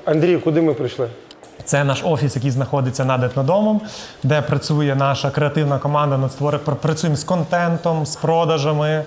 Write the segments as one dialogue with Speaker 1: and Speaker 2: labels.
Speaker 1: Андрій, куди ми прийшли?
Speaker 2: Це наш офіс, який знаходиться над етнодомом, де працює наша креативна команда над створенням. Працюємо з контентом, з продажами.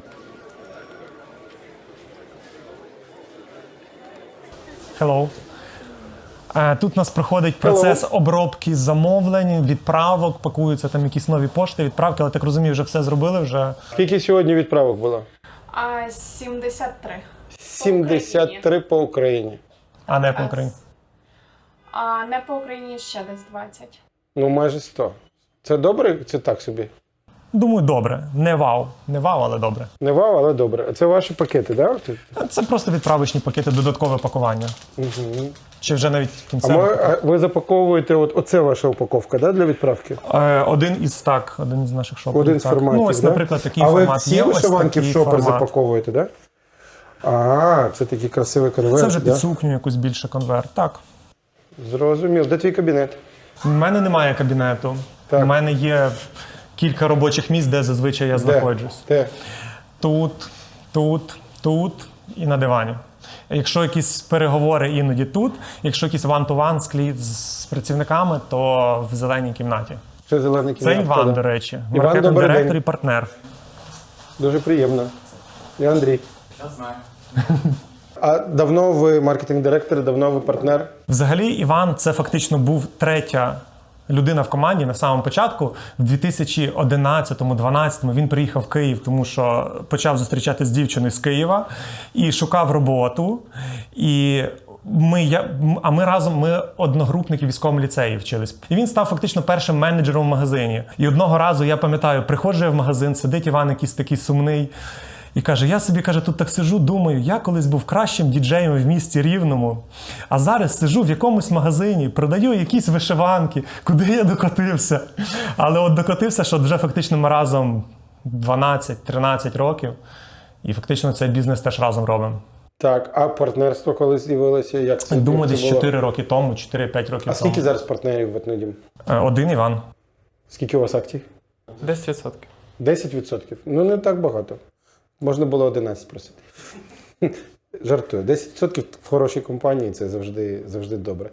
Speaker 2: Hello. Тут у нас проходить процес обробки замовлень, відправок, пакуються там якісь нові пошти, відправки, але так розумію, вже все зробили вже.
Speaker 1: Скільки сьогодні відправок було?
Speaker 3: 73.
Speaker 1: 73 по Україні.
Speaker 2: А не по Україні.
Speaker 3: А не по Україні ще десь 20.
Speaker 1: Ну, майже 100. Це добре? Це так собі?
Speaker 2: Думаю, добре. Не вау. Не вау, але добре.
Speaker 1: Не вау, але добре. Це ваші пакети, так? Да?
Speaker 2: Це просто відправочні пакети, додаткове пакування.
Speaker 1: Угу.
Speaker 2: Чи вже навіть кінцеве.
Speaker 1: А ви запаковуєте, оце ваша упаковка, да, для відправки?
Speaker 2: Один із наших шоперів.
Speaker 1: Один з форматів,
Speaker 2: Ну, ось,
Speaker 1: да?
Speaker 2: наприклад, такий
Speaker 1: а
Speaker 2: формат.
Speaker 1: А ви всі
Speaker 2: є,
Speaker 1: вишиванки в
Speaker 2: ось
Speaker 1: шопер
Speaker 2: такий формат.
Speaker 1: запаковуєте, так? Да? А, це такий красивий конверт,
Speaker 2: Це вже
Speaker 1: да?
Speaker 2: під сукню якусь більше конверт. Так.
Speaker 1: Зрозумів. Де твій кабінет?
Speaker 2: У мене немає кабінету.
Speaker 1: Так.
Speaker 2: У мене є кілька робочих місць, де зазвичай я знаходжусь.
Speaker 1: Де?
Speaker 2: Тут і на дивані. Якщо якісь переговори, іноді тут. Якщо якийсь one-to-one з працівниками, то в зеленій кімнаті.
Speaker 1: Це зелений кімнат.
Speaker 2: Це Іван, до речі.
Speaker 1: Іван,
Speaker 2: Маркетинг
Speaker 1: добрий
Speaker 2: директор
Speaker 1: день.
Speaker 2: і партнер.
Speaker 1: Дуже приємно. Я Андрій.
Speaker 4: Я знаю.
Speaker 1: А давно ви маркетинг-директор, давно ви партнер?
Speaker 2: Взагалі, Іван – це фактично був третя людина в команді на самому початку. В 2011-2012 він приїхав в Київ, тому що почав зустрічатися з дівчиною з Києва і шукав роботу. І ми разом, ми одногрупники в військовому ліцеї вчились. І він став фактично першим менеджером в магазині. І одного разу, я пам'ятаю, приходжу я в магазин, сидить Іван якийсь такий сумний. І каже, я собі, тут так сижу, думаю, я колись був кращим діджеєм в місті Рівному, а зараз сижу в якомусь магазині, продаю якісь вишиванки, куди я докотився. Але от докотився, що вже фактично ми разом 12-13 років, і фактично цей бізнес теж разом робимо.
Speaker 1: Так, а партнерство коли з'явилося? Як це
Speaker 2: Думаю,
Speaker 1: як це
Speaker 2: десь
Speaker 1: було?
Speaker 2: 4 роки тому, 4-5 років тому.
Speaker 1: А скільки зараз партнерів в Етнодім?
Speaker 2: Один Іван.
Speaker 1: Скільки у вас акцій?
Speaker 4: 10%.
Speaker 1: 10%? Ну, не так багато. Можна було 11 просити. Жартую. 10% в хорошій компанії – це завжди добре.